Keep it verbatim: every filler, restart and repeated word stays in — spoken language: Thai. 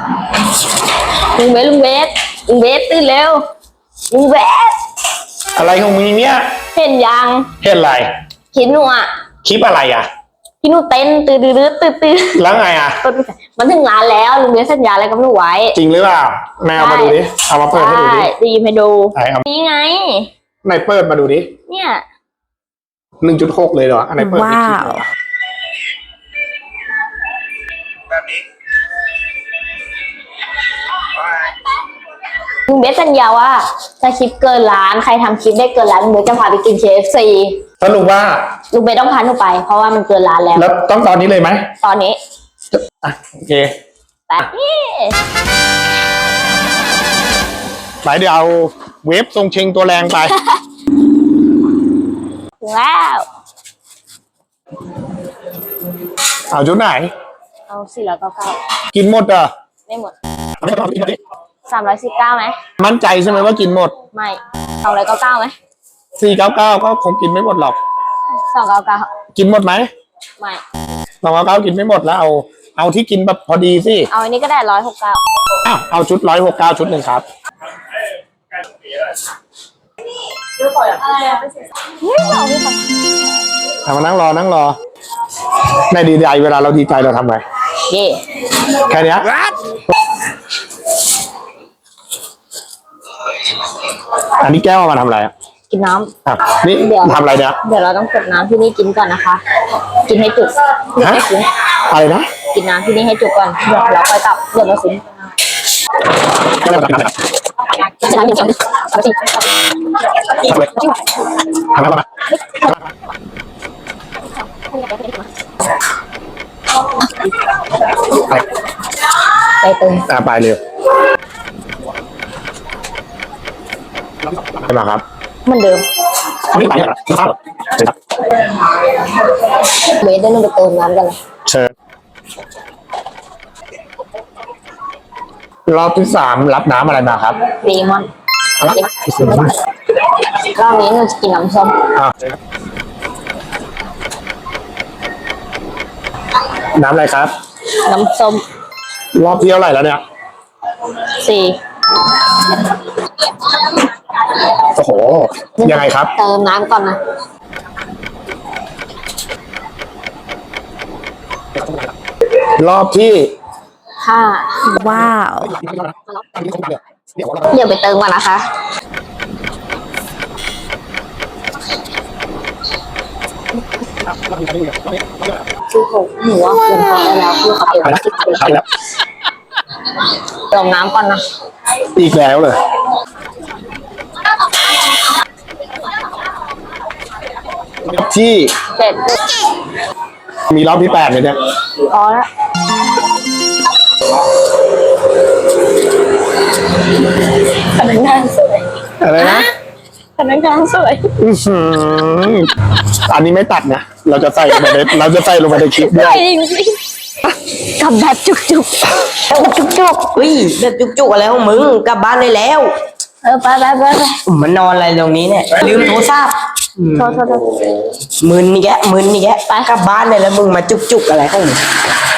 ลุงเบสลุงเบสลุงเบสตื่นเร็วลุงเบสอะไรของมึงเนี่ยเห็นยังเห็นอะไรคลิปหนูอ่ะคลิปอะไรอ่ะพี่หนูเต้นตื่นตื่นตื่นตื่นแล้วไงอ่ะมันถึงร้านแล้วลุงเบสสัญญาอะไรกับหนูไว้จริงหรือเปล่าแม่เอามาดูดิเอามาเปิดให้ดูดิดีให้ดูนี่ไงไหนเปิดมาดูดิเนี่ยหนึ่งจุดหกเลยเหรออันไหนเปิดว้าวลุงเบสสัญญาว่าถ้าคลิปเกินล้านใครทำคลิปได้เกินล้านลุงเบสจะพาไปกิน เค เอฟ ซีสรุปว่าลุงเบสต้องพาหนูไปเพราะว่ามันเกินล้านแล้วแล้วต้องตอนนี้เลยไหมตอนนี้อ่ะโอเคไปไปเดี๋ยวเอาเวฟทรงเชงตัวแรงไปถึงแล้วเอาชุดไหนเอาสี่ร้อยเก้าเก้ากินหมดเหรอไม่หมดสามร้อยสิบเก้าไหมมั่นใจใช่ไหมว่ากินหมดไม่สองร้อยเก้าเก้าไหมสี่เก้าเก้าก็คงกินไม่หมดหรอกสองเก้าเก้ากินหมดไหมไม่สองเก้าเก้ากินไม่หมดแล้วเอาเอาที่กินแบบพอดีสิเอาอันนี้ก็ได้ร้อยหกเก้าอ้าวเอาชุดร้อยหกเก้าชุดหนึ่งครับเอามานั่งรอนั่งรอในดีใจเวลาเราดีใจเราทำไงเย่แค่นี้อันนี้แก้วมาทำอะไรอ่ะกินน้ำอ่ะนี่ทำอะไรเนี่ยเดี๋ยวเราต้องกดน้ำที่นี่กินก่อนนะคะกินให้จุกเดี๋ยวไม่คุ้มอะไรนะกินน้ำที่นี่ให้จุกก่อนเดี๋ยวเราค่อยกลับเดี๋ยวไม่คุ้มจะทำยังไงปกติทำอะไรมาไปเติมอ่าไปเร็วไปมาครับเหมือนเดิมไม่ไปครับข้าวเบสได้ลงไปเติมน้ำกันเลยเชิญรอบที่สามรับน้ำอะไรมาครับเลมอนรอบนี้หนูจะกินน้ำส้มน้ำอะไรครับน้ำส้มรอบที่เท่าไหร่แล้วเนี่ยสี่โอ้โหยังไงครับเติมน้ำก่อนนะรอบที่ห้าว้าวเดี๋ยวไปเติมก่อนนะคะคือหกหัวเกินพอได้แล้วคือเขาเติมเติมน้ำก่อนนะอีกแล้วเลยที่เจ็ดมีรอบที่แปดเลยเนี่ยพอแล้วพนักงานสวยอะไรนะพนักงานสวยอันนี้ไม่ตัดนะเราจะใส่ลงไปในเราจะใส่ลงไปในคลิปด้วยจริงๆกับแบบจุกจุกจุกจุกอุ้ยแบบจุกจุกอะไรของมึงกลับบ้านได้แล้วเออไปไปไปไปมันนอนอะไรตรงนี้เนี่ยลืมโทรศัพท์โทรโทรโทรมึนนี่แกมึนนี่แกไปกลับบ้านเลยแล้วมึงมาจุกจุกอะไรของมึง